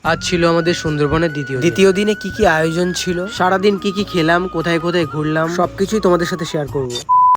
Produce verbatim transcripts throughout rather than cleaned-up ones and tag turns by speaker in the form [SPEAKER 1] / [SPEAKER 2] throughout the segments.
[SPEAKER 1] আজ ছিল আমাদের সুন্দরবনের দ্বিতীয় দ্বিতীয় দিনে কি কি আয়োজন ছিল, সারাদিন কি কি খেলাম, কোথায় কোথায় ঘুরলাম, সবকিছুই তোমাদের সাথে শেয়ার করব।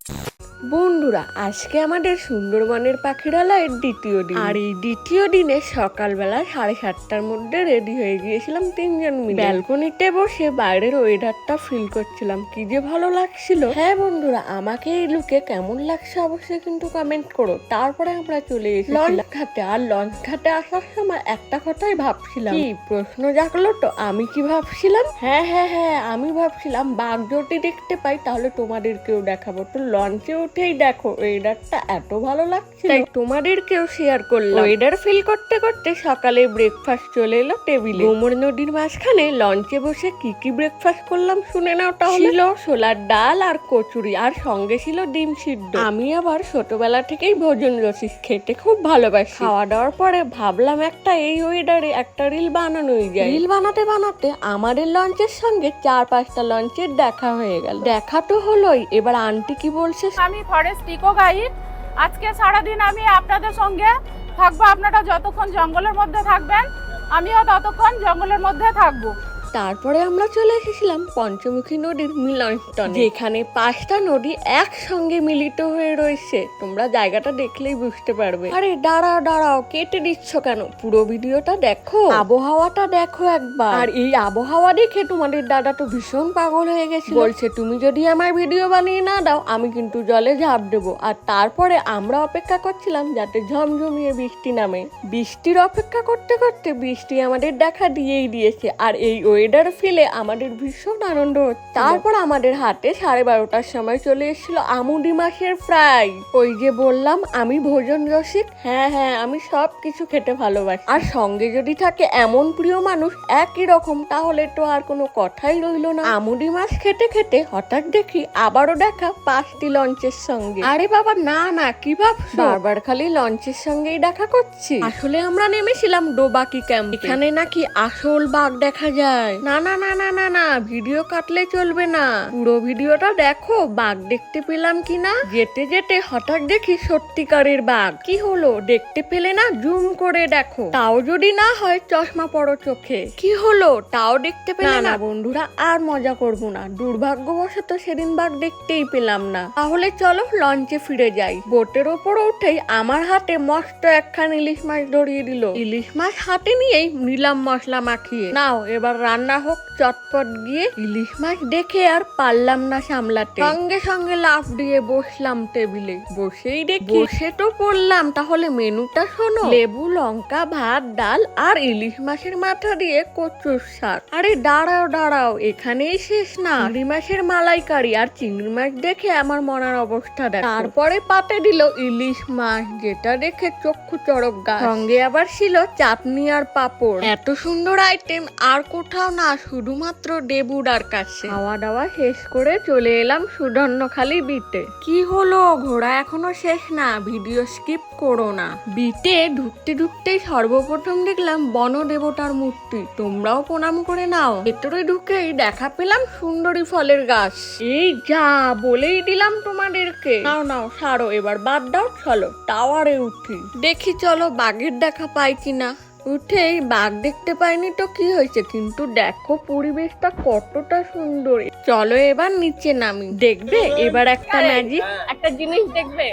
[SPEAKER 2] বন্ধুরা, আজকে আমাদের সুন্দরবনের পাখিরালয়ের দ্বিতীয় দিন। আর এই দ্বিতীয় দিনে সকালবেলা সাড়ে সাতটার মধ্যে রেডি হয়ে গিয়েছিলাম তিনজন মিলে। ব্যালকনিতে বসে বাইরের ওয়েদারটা ফিল করছিলাম, কি যে ভালো লাগছিল। হ্যাঁ বন্ধুরা, আমাকে এই লুকে কেমন লাগছে অবশ্যই কিন্তু কমেন্ট করো। তারপরে আমরা চলে এসেছি লঞ্চ ঘাটে। আর লঞ্চ ঘাটে আসার সময় একটা কথাই ভাবছিলাম, কি প্রশ্ন জাগলো তো, আমি কি ভাবছিলাম, হ্যাঁ হ্যাঁ হ্যাঁ আমি ভাবছিলাম বাঘ যদি দেখতে পাই তাহলে তোমাদেরকেও দেখাবো। তো লঞ্চে উঠেই দেখো ওয়েদারটা এত ভালো লাগছে, তাই তোমাদেরকেও শেয়ার করলাম। ওয়েদার ফিল করতে করতে সকালে ব্রেকফাস্ট চলে এলো টেবিলে। গোমর নদীর মাঝখানে লঞ্চে বসে কি কি ব্রেকফাস্ট করলাম শুনে নাও তাহলে। ছিল ছোলার ডাল আর কচুরি, আর সঙ্গে ছিল ডিম সিদ্ধ। আমি আবার ছোটবেলা থেকেই ভোজন রসিক, খেতে খুব ভালোবাসি। খাওয়া দাওয়ার পরে ভাবলাম একটা এই ওয়েদারে একটা রিল বানানোই যায়। রিল বানাতে বানাতে আমাদের লঞ্চের সঙ্গে চার পাঁচটা লঞ্চের দেখা হয়ে গেল। দেখা তো হলোই, এবার আন্টি কি বলছে।
[SPEAKER 3] আমি ফরেস্ট ইকো গাইড। আজকে সারাদিন আমি আপনাদের সঙ্গে থাকবো। আপনারা যতক্ষণ জঙ্গলের মধ্যে থাকবেন আমিও ততক্ষণ জঙ্গলের মধ্যে থাকবো।
[SPEAKER 2] তারপরে আমরা চলে এসেছিলাম পঞ্চমুখী নদীর মিলনস্থলে, যেখানে পাঁচটা নদী একসঙ্গে মিলিত হয়ে রয়েছে। তোমরা জায়গাটা দেখলেই বুঝতে পারবে। আরে দাঁড়াও দাঁড়াও, কেটে দিচ্ছ কেন? পুরো ভিডিওটা দেখো, আবহাওয়াটা দেখো একবার। আর এই আবহাওয়া দেখে তোমাদের দাদা তো ভীষণ পাগল হয়ে গেছে, বলছে তুমি যদি আমার ভিডিও বানিয়ে না দাও আমি কিন্তু জলে ঝাঁপ দেবো। আর তারপরে আমরা অপেক্ষা করছিলাম যাতে ঝমঝমিয়ে বৃষ্টি নামে। বৃষ্টির অপেক্ষা করতে করতে বৃষ্টি আমাদের দেখা দিয়েই দিয়েছে। আর এই ওয়েদার ফিলে আমাদের ভীষণ আনন্দ হচ্ছে। তারপর আমাদের হাতে সাড়ে বারোটার সময় চলে এসেছিল আমুদি মাছের ফ্রাই। ওই যে বললাম আমি ভোজন রসিক, হ্যাঁ হ্যাঁ আমি সব কিছু খেতে ভালোবাসি। আর সঙ্গে যদি থাকে এমন প্রিয় মানুষ একই রকম, তাহলে তো আর কোনো কথাই রইলো না। আমুদি মাছ খেতে খেতে হঠাৎ দেখি আবারও দেখা পাঁচটি লঞ্চের সঙ্গে। আরে বাবা না না, কি ভাবছো? বারবার খালি লঞ্চের সঙ্গেই দেখা করছি। আসলে আমরা নেমেছিলাম ডোবাকি ক্যাম্প, এখানে নাকি আসল বাঘ দেখা যায়। না না না না না না, ভিডিও কাটলে চলবে না, পুরো ভিডিওটা দেখো বাঘ দেখতে পেলাম কিনা। যেতে যেতে হঠাৎ দেখি সত্যিকারের বাঘ। কি হলো, দেখতে পেলে না? জুম করে দেখো, তাও যদি না হয় চশমা পড়ো চোখে। কি হলো, তাও দেখতে পেলে না? বন্ধুরা আর মজা করব না, দুর্ভাগ্যবশত সেদিন বাঘ দেখতেই পেলাম না। তাহলে চলো লঞ্চে ফিরে যাই। বোটের ওপর উঠেই আমার হাতে মস্ত একখান ইলিশ মাছ ধরিয়ে দিল। ইলিশ মাছ হাতে নিয়েই নিলাম মশলা মাখিয়ে, নাও এবার রান্না হোক চটপট গিয়ে। ইলিশ মাছ দেখে আর পারলাম না সামলাতে, সঙ্গে সঙ্গে লাফ দিয়ে বসলাম টেবিলে। বসেই দেখি, বসে তো পড়লাম, তাহলে মেনুটা শোনো। লেবু, লঙ্কা, ভাত, ডাল আর ইলিশ মাছের মাথা দিয়ে কচুর শাক। আরে দাঁড়াও দাঁড়াও, এখানেই শেষ না, চিংড়ি মাছের মালাইকারি। আর চিংড়ি মাছ দেখে আমার মনের অবস্থা দেখো। তারপরে পাতে দিল ইলিশ মাছ, যেটা দেখে চক্ষু চড়ক গাছ। সঙ্গে আবার ছিল চাটনি আর পাঁপড়। এত সুন্দর আইটেম আর কোথাও না, শুধুমাত্র দেবুদার কাছে। খাওয়া দাওয়া শেষ করে চলে এলাম সুধন্যখালি বিটে। কি হলো, ঘোরা এখনো শেষ না, ভিডিও স্কিপ করো না। বিটে ঢুকতে ঢুকতেই সর্বপ্রথম দেখলাম বন দেবতার মূর্তি, তোমরাও প্রণাম করে নাও। ভেতরে ঢুকেই দেখা পেলাম সুন্দরী ফলের গাছ। এই যা বলেই দিলাম তোমাদেরকে। নাও নাও সারো, এবার বাদ দাও, চলো টাওয়ারে উঠি, দেখি চলো বাঘের দেখা পাই কিনা। উঠেই বাঘ দেখতে পাইনি তো কি হয়েছে, কিন্তু দেখো পরিবেশটা কতটা সুন্দর। চলো এবার নিচে নামি, দেখবে এবার একটা ম্যাজিক, একটা জিনিস দেখবে।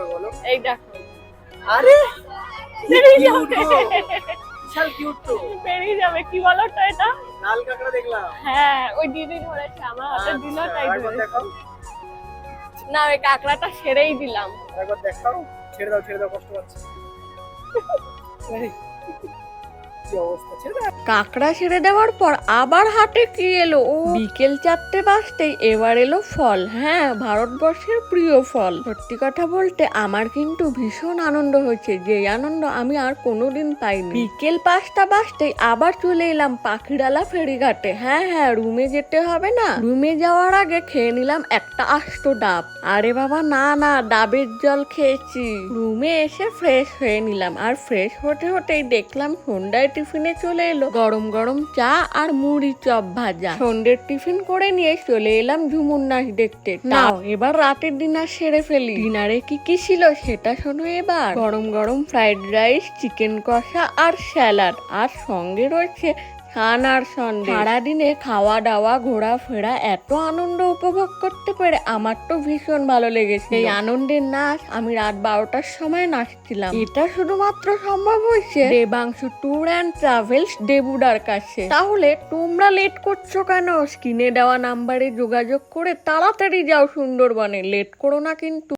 [SPEAKER 2] এই দেখো,
[SPEAKER 3] আরে বেরিয়ে যাবে, বিশাল কিউট তো, বেরিয়ে যাবে। কি বলো তো এটা? লাল কাঁকড়া দেখলাম। হ্যাঁ, ওই দিদি ধরেছে, আমার হাতে দিল তাই ধরেছে। না, ওই কাঁকড়াটা ছেড়েই দিলাম। একবার দেখাও, ছেড়ে দাও ছেড়ে দাও, কষ্ট পাচ্ছি।
[SPEAKER 2] কাঁকড়া ছেড়ে দেওয়ার পর আবার হাটে কি এলো, ও বিকেল চারটে বাজতেই এবার এলো ফল। হ্যাঁ, ভারতবর্ষের প্রিয় ফল। সত্যি কথা বলতে আমার কিন্তু ভীষণ আনন্দ হয়েছে, যে আনন্দ আমি আর কোনোদিন পাইনি। বিকেল পাঁচটা বাজতেই আবার চলে এলাম পাখিরালা ফেরিঘাটে। হ্যাঁ হ্যাঁ, রুমে যেতে হবে না, রুমে যাওয়ার আগে খেয়ে নিলাম একটা আস্ত ডাব। আরে বাবা না না, ডাবের জল খেয়েছি। রুমে এসে ফ্রেশ হয়ে নিলাম, আর ফ্রেশ হতে হতেই দেখলাম সন্ধ্যায় টিফিনে চলে এলো গরম গরম চা আর মুড়ি চপ ভাজা। সন্ধ্যের টিফিন করে নিয়ে চলে এলাম ঝুমুর নাচ দেখতে। নাও এবার রাতের ডিনার সেরে ফেলি। ডিনারে কি কি ছিল সেটা শোনো এবার। গরম গরম ফ্রাইড রাইস, চিকেন কষা আর স্যালাড, আর সঙ্গে রয়েছে ছান আর সন্দেশ। সারাদিনে খাওয়া দাওয়া ঘোরাফেরা এত আনন্দ উপভোগ করতে পেরে আমার তো ভীষণ ভালো লেগেছে। এই আনন্দের নাচ আমি রাত বারোটার সময় নাচছিলাম। এটা শুধুমাত্র সম্ভব হয়েছে দেবাংশু ট্যুর অ্যান্ড ট্রাভেলস দেবুদার কাছে। তাহলে তোমরা লেট করছো কেন? স্ক্রিনে দেওয়া নাম্বারে যোগাযোগ করে তাড়াতাড়ি যাও সুন্দরবনে। লেট করো না কিন্তু।